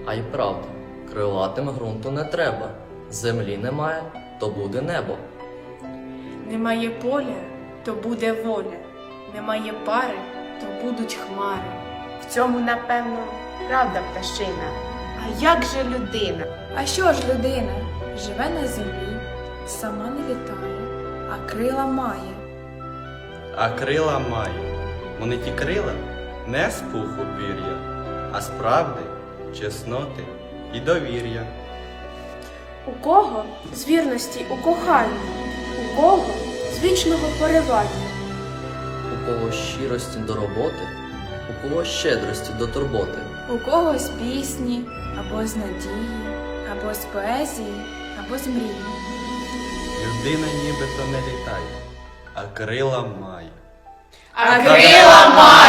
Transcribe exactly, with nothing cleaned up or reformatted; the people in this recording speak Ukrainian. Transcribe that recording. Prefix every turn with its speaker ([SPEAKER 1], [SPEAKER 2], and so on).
[SPEAKER 1] А й правда, крилатим ґрунту не треба. Землі немає, то буде небо.
[SPEAKER 2] Немає поля, то буде воля. Немає пари, то будуть хмари.
[SPEAKER 3] В цьому, напевно, правда пташина. А як же людина?
[SPEAKER 2] А що ж людина? Живе на землі, сама не літає, а крила має.
[SPEAKER 4] А крила має. Вони ті крила не з пуху пір'я, а з правди, чесноти і довір'я.
[SPEAKER 5] У кого з вірності у коханні, у кого з вічного поривання.
[SPEAKER 1] У кого щирості до роботи, у кого щедрості до турботи.
[SPEAKER 2] У когось пісні, або з надії, або з поезії, або з мрії.
[SPEAKER 4] Людина нібито не літає, а крила має.
[SPEAKER 3] А крила має!